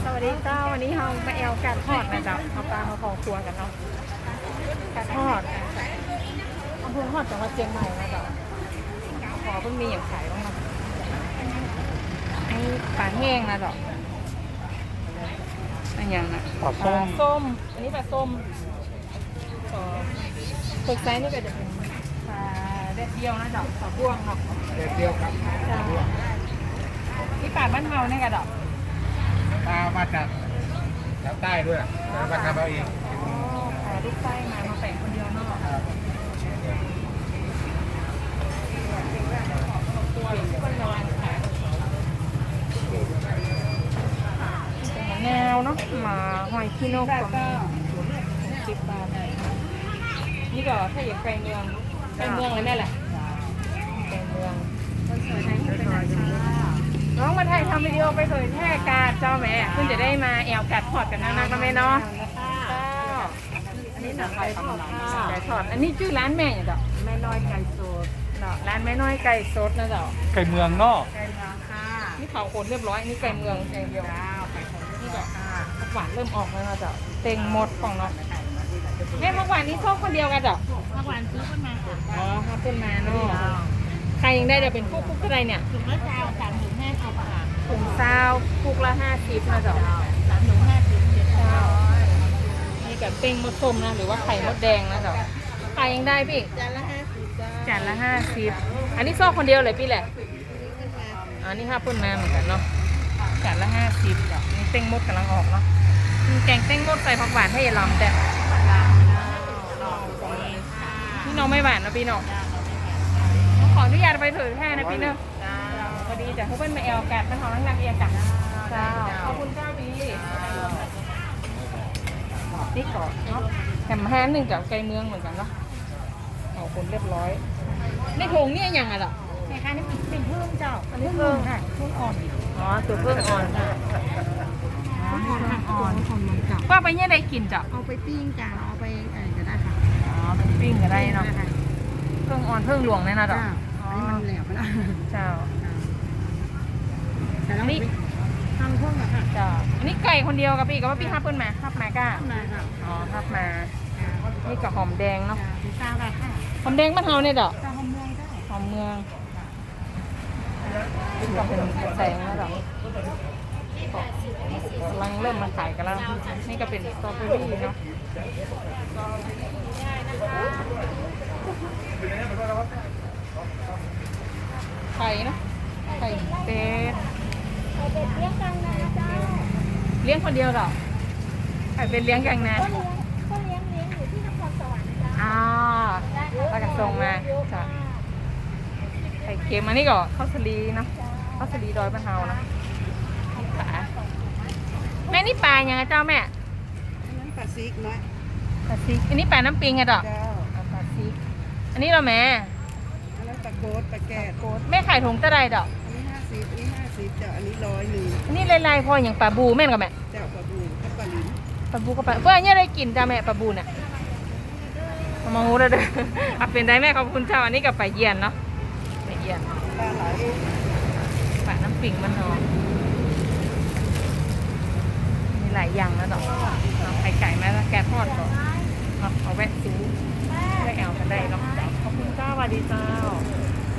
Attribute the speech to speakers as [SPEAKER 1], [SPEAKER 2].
[SPEAKER 1] สวัสดีเจ้าวันนี้เรามาแอลการทอดนะจ๊ะเอาปลามาพอครัวกันเนาะการทอดอำเภอทอดจังหวัดเชียงใหม่นะจ๊ะพอเพิ่งมีอย่างขายบ้างนะไอ้ปลาแห้งนะจ๊ะอันอย่างนะ
[SPEAKER 2] ปลา
[SPEAKER 1] ส้มอันนี้ปลาส้มฝึกไซส์นี่ก็จะเป็นปลาแดดเดียวนะจ๊ะปลาบ่วงเนาะ
[SPEAKER 2] เด็ดเดียวครับ
[SPEAKER 1] ที่ปลาบ้านเฮาเนี่ยกระดอก
[SPEAKER 2] ปลามาจากแถวใต้ด้วยแล้วมาทำเอาเอง
[SPEAKER 1] ขายลูกไส้มาแปะคนเดียวเนาะตัวคนละวันขายแนวเนาะมาหอยขี้นกก็มี10 บาทนี่ก็ถ้าอยากไก่เมืองเลยแม่แหละไก่เมืองน้องมาถ่ายทำวิดีโอไปเผยแพร่การเจ้าแม่เพิ่งจะได้มาแอลกัดทอดกันนะก็แม่เนาะอันนี้หนังไก่ทอดไก่ทอดอันนี้ชื่อร้านแม่อย่างเดียวแม่น้อยไก่สดร้านแม่น้อยไก่สดนะเจ้า
[SPEAKER 2] ไก่เมืองนอก
[SPEAKER 1] ไก่เมืองค่ะนี่เผาคนเรียบร้อยนี่ไก่เมืองไก่เดียวนี่ก็หวานเริ่มออกแล้วนะเจ้าเต็งหมดของเนาะแม่เมื่อวานนี้ชอบคนเดียวกันเจ้าเมื่อวานซื้อคนมาค่ะอ๋อครับคนมาเนาะใครยังได้เดี๋ยวเป็นคุกอะไรเนี่ยถุงละเช้า3 ถุง 50 บาทถุงเช้าคุกละ50นะเจ้า3 ถุง 50เจ้านี่กับเป้งมดส้มนะหรือว่าไข่มดแดงนะเจ้าใครยังได้พี่จานละ50จ้าจานละ50อันนี้ซ่อคนเดียวเลยพี่แหละอันนี้5 คนมาเหมือนกันเนาะจานละ50จ้ะนี่เป้งมดกำลังออกเนาะแกงเป้งมดใส่ผักหวานให้ยายลำแต่นี่น้องไม่หวานนะพี่น้องขออนุญาตไปเผยแพร่นะพี่เนอะพอดีจะให้เพื่อนมาแอลกัดเป็นของนักเรียนกันขอบคุณเจ้าพี่นี่ก่อนเนาะแถม1จากไกลเมืองเหมือนกันเนาะเอาคนเรียบร้อยในถุงนี่ยังไงล่ะใช่ค่ะนี่เป็นเพิ่มเจ้าอันนี้เพิ่มค่ะเพิ่มอ่อนอ๋อตัวเพิ่มอ่อนค่ะอ่อนว่าไปเนี่ยได้กินจ้ะ
[SPEAKER 3] เอาไปปิ้งจ้าเอาไปอะไรก็ได้ค่ะ
[SPEAKER 1] อ๋อเป็นปิ้งก็ได้เนาะเพิ่งอ่อนเพิ่งหลวงเนี่ยนะจ้ะ
[SPEAKER 3] อันนี้มันแหลมไปแล้ว
[SPEAKER 1] เจ้า
[SPEAKER 3] แต่เราทำเพิ่มอะค่ะ
[SPEAKER 1] จ้าอันนี้ไก่คนเดียวกับพี่กับว่าพี่ทับเพิ่นมาทับมาก้า
[SPEAKER 3] ทำได้ค่ะ
[SPEAKER 1] อ๋อทับมานี่กับหอมแดงเนาะ
[SPEAKER 3] พิซซ่าได้ค่ะ
[SPEAKER 1] หอมแดงบ้านเฮาเนี่ยดอก
[SPEAKER 3] ซาหอมเมืองได้
[SPEAKER 1] หอมเมืองก็เป็นแสงแล้วดอกกำลังเริ่มมาขายกันแล้วนี่ก็เป็นสตรอเบอรี่เนาะไข่นะไข่เป็ดเลี้ยงกันนะเจ้าเลี้ยงคนเดียวหรอไข่เป็ดเลี้ยงกันนะ
[SPEAKER 3] ก็เลี้ยงอยู่ที่นครสวรรค์จ้า
[SPEAKER 1] อ๋อแล้วก็ส่งมาจ้ะไข่เค็มอันนี้ก็ข้าวสลีเนาะข้าวสลีดอยบ้านเฮานะปลาแม่นี่ปลายังไงเจ้าแม่
[SPEAKER 3] อันนั้นปลาซิกน้อย
[SPEAKER 1] ปลาซิกอันนี้ปลาน้ำปิงไงดอก
[SPEAKER 3] เจ้า
[SPEAKER 1] ปลาซิกอันนี้เราแม่
[SPEAKER 3] อันนั้นปลาโกดปลาแกด
[SPEAKER 1] แม่ขายถุงตะไดดอก
[SPEAKER 3] อันนี้50อันนี้50เจ้าอันนี้100
[SPEAKER 1] อันนี้ลายๆพออย่างปลาบูแม่นกับแม่
[SPEAKER 3] เจ้าปลาบูกับปลาลิ้น
[SPEAKER 1] ปลาบูกับปลาเพื่อนเนี่ยได้กินจ้าแม่ปลาบูเนี่ยมางูเลยเด้อเอาเป็นได้แม่ขอบคุณเจ้าอันนี้กับปลาเยียนเนาะปลาเยียน
[SPEAKER 3] ปลาไหล
[SPEAKER 1] ปลาน้ำปิงมันเนาะมีหลายอย่างนะดอกเอาไข่ไก่มาแล้วแกะทอดก่อนเอาแวะซื้อแวะแอลกันได้เนาะขอบคุณเจ้าสวัสดีเจ้า